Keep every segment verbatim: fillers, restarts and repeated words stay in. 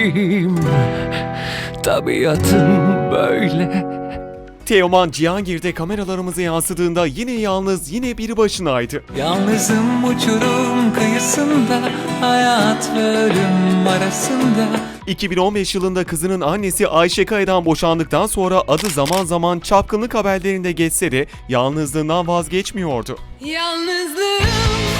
garibim, tabiatım böyle. Teoman Cihangir'de kameralarımıza yansıdığında yine yalnız, yine bir başınaydı. Yalnızım uçurum kıyısında, hayat ve ölüm arasında. iki bin on beş yılında kızının annesi Ayşe Kaya'dan boşandıktan sonra adı zaman zaman çapkınlık haberlerinde geçse de yalnızlığından vazgeçmiyordu. Yalnızlığım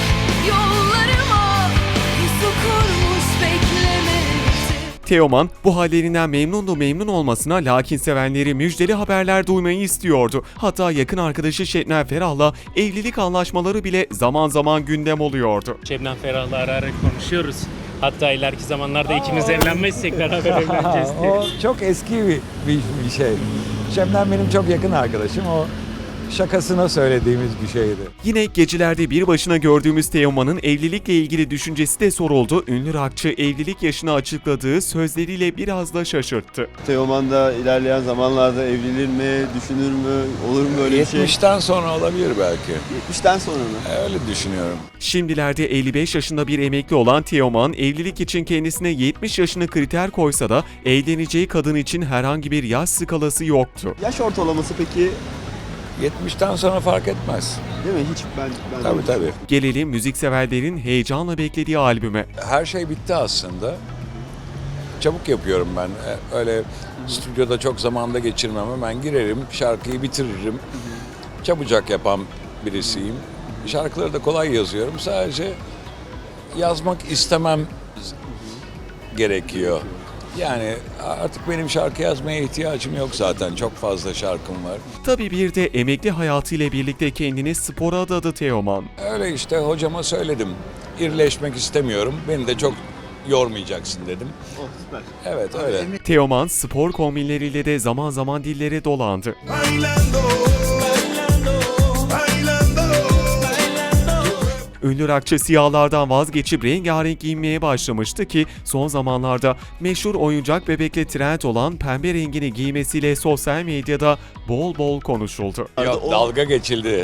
yollarıma pusu kurmuş beklemekte. Teoman bu hallerinden memnundu memnun olmasına, lakin sevenleri müjdeli haberler duymayı istiyordu. Hatta yakın arkadaşı Şebnem Ferah'la evlilik anlaşmaları bile zaman zaman gündem oluyordu. Şebnem Ferah'la ara ara konuşuyoruz. Hatta ileriki zamanlarda ikimiz evlenmezsek beraber evleneceğiz diye. O çok eski bir, bir, bir şey. Şebnem benim çok yakın arkadaşım. O şakasına söylediğimiz bir şeydi. Yine gecelerde bir başına gördüğümüz Teoman'ın evlilikle ilgili düşüncesi de soruldu. Ünlü rockçı evlilik yaşını açıkladığı sözleriyle biraz da şaşırttı. Teoman da ilerleyen zamanlarda evlenir mi, düşünür mü, olur mu böyle bir şey? yetmişten sonra olabilir belki. yetmişten sonra mı? Öyle düşünüyorum. Şimdilerde elli beş yaşında bir emekli olan Teoman, evlilik için kendisine yetmiş yaşını kriter koysa da evleneceği kadın için herhangi bir yaş skalası yoktu. Yaş ortalaması peki, yetmişten sonra fark etmez. değil mi? Hiç ben... ben Tabii tabii. Gelelim müzikseverlerin heyecanla beklediği albüme. Her şey bitti aslında. Çabuk yapıyorum ben. E, Öyle stüdyoda çok zamanda geçirmem. Hemen girerim, şarkıyı bitiririm. Çabucak yapan birisiyim. Şarkıları da kolay yazıyorum. Sadece yazmak istemem gerekiyor. Yani artık benim şarkı yazmaya ihtiyacım yok zaten. Çok fazla şarkım var. Tabii bir de emekli hayatıyla birlikte kendini spora adadı Teoman. Öyle işte hocama söyledim. İrleşmek istemiyorum. Beni de çok yormayacaksın dedim. Oh, süper. Evet öyle. Teoman spor kombinleriyle de zaman zaman dillere dolandı. Ünlü rockçı siyahlardan vazgeçip rengarenk giyinmeye başlamıştı ki son zamanlarda meşhur oyuncak bebekle trend olan pembe rengini giymesiyle sosyal medyada bol bol konuşuldu. Yok O- dalga geçildi.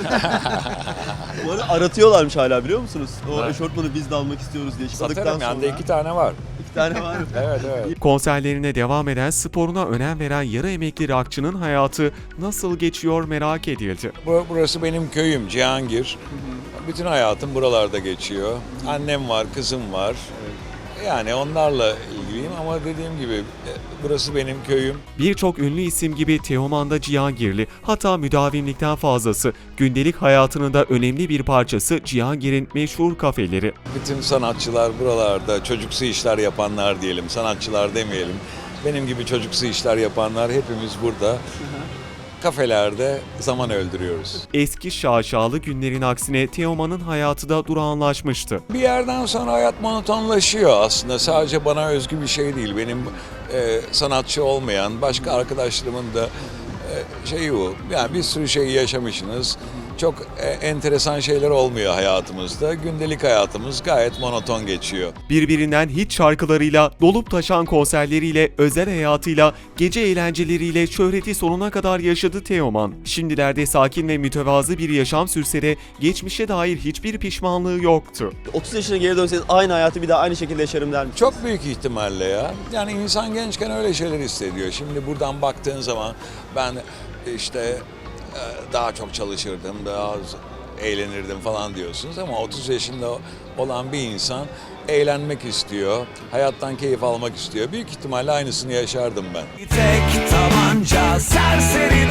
Bu arada aratıyorlarmış hala, biliyor musunuz? O eşortmanı biz de almak istiyoruz diye çıktıktan Satarım sonra. yani iki tane var. İki tane var. Evet evet. Konserlerine devam eden, sporuna önem veren yarı emekli rockçının hayatı nasıl geçiyor merak edildi. Bu- Burası benim köyüm Cihangir. Bütün hayatım buralarda geçiyor. Annem var, kızım var. Yani onlarla ilgiliyim ama dediğim gibi e, burası benim köyüm. Birçok ünlü isim gibi Teoman da Cihangirli, hatta müdavimlikten fazlası. Gündelik hayatının da önemli bir parçası Cihangir'in meşhur kafeleri. Bütün sanatçılar buralarda, çocuksu işler yapanlar diyelim, sanatçılar demeyelim. Benim gibi çocuksu işler yapanlar hepimiz burada. Kafelerde zaman öldürüyoruz. Eski şaşalı günlerin aksine Teoman'ın hayatı da durağanlaşmıştı. Bir yerden sonra hayat monotonlaşıyor aslında. Sadece bana özgü bir şey değil. Benim e, sanatçı olmayan başka arkadaşlarımın da e, şeyi bu. Yani bir sürü şey yaşamışsınız. Çok e, enteresan şeyler olmuyor hayatımızda. Gündelik hayatımız gayet monoton geçiyor. Birbirinden hit şarkılarıyla, dolup taşan konserleriyle, özel hayatıyla, gece eğlenceleriyle şöhreti sonuna kadar yaşadı Teoman. Şimdilerde sakin ve mütevazı bir yaşam sürse de geçmişe dair hiçbir pişmanlığı yoktu. otuz yaşına geri dönseniz aynı hayatı bir daha aynı şekilde yaşarım der misiniz? Çok büyük ihtimalle ya. Yani insan gençken öyle şeyler hissediyor. Şimdi buradan baktığın zaman ben işte daha çok çalışırdım, daha az eğlenirdim falan diyorsunuz ama otuz yaşında olan bir insan eğlenmek istiyor, hayattan keyif almak istiyor. Büyük ihtimalle aynısını yaşardım ben. Tek tabanca serseri